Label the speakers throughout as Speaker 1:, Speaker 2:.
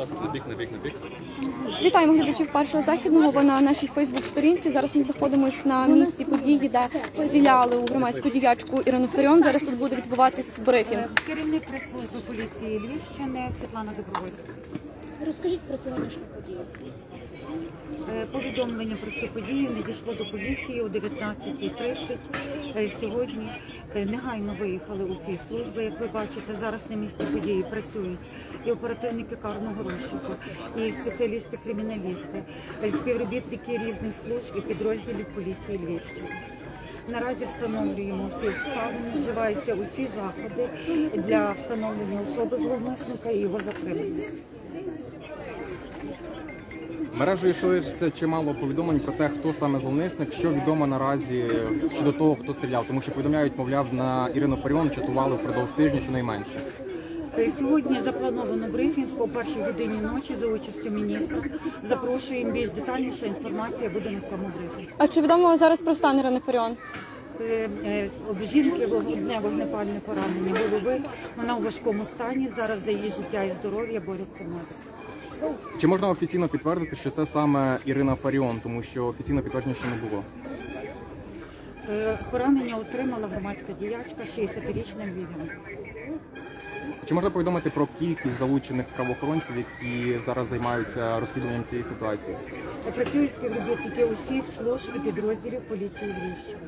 Speaker 1: ласка, на бік.
Speaker 2: Вітаємо глядачів Першого Західного. Ви на нашій Фейсбук-сторінці. Зараз ми знаходимося на місці події, де стріляли у громадську діячку Ірину Фаріон. Зараз тут буде відбуватись брифінг.
Speaker 3: Керівник прес-служби поліції Львівщини Світлана Добровольська.
Speaker 4: Розкажіть про сьогоднішню подію.
Speaker 3: Повідомлення про цю подію надійшло до поліції о 19:30. Сьогодні негайно виїхали усі служби. Як ви бачите, зараз на місці події працюють і оперативники карного розшуку, і спеціалісти-криміналісти, співробітники різних служб і підрозділів поліції Львівщини. Наразі встановлюємо всі обставини, вживаються усі заходи для встановлення особи зловмисника і його затримання.
Speaker 5: Мережею йшлося чимало повідомлень про те, хто саме зловмисник, що відомо наразі щодо того, хто стріляв. Тому що повідомляють, мовляв, на Ірину Фаріон чатували впродовж тижня щонайменше.
Speaker 3: Сьогодні заплановано брифінг о 1-й годині ночі за участю міністра. Запрошуємо, більш детальніша інформація буде на цьому брифінгу.
Speaker 2: А чи відомо зараз про стан Ірини Фаріон?
Speaker 3: В жінки одне вогнепальне поранення голови, вона у важкому стані, зараз за її життя і здоров'я борються медики.
Speaker 5: Чи можна офіційно підтвердити, що це саме Ірина Фаріон, тому що офіційно підтвердження ще не було?
Speaker 3: Поранення отримала громадська діячка, 60-річна львів'янка.
Speaker 5: Чи можна повідомити про кількість залучених правоохоронців, які зараз займаються розслідуванням цієї ситуації?
Speaker 3: Працюють співробітники усіх служб і підрозділів поліції Львівщини.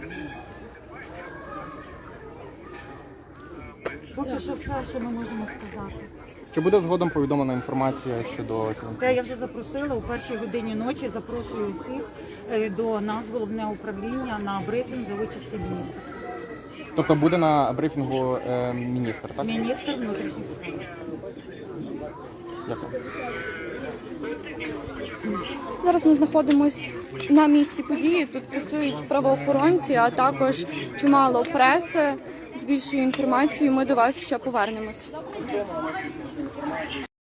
Speaker 3: Поки що все, що ми можемо сказати.
Speaker 5: Чи буде згодом повідомлена інформація щодо цього?
Speaker 3: Те я вже запросила, о 1-й годині ночі запрошую усіх до нас, головне управління, на брифінг за участі міністра.
Speaker 5: Тобто буде на брифінгу міністр, так?
Speaker 3: Міністр внутрішніх справ.
Speaker 5: Дякую.
Speaker 2: Зараз ми знаходимося на місці події. Тут працюють правоохоронці, а також чимало преси з більшою інформацією. Ми до вас ще повернемось.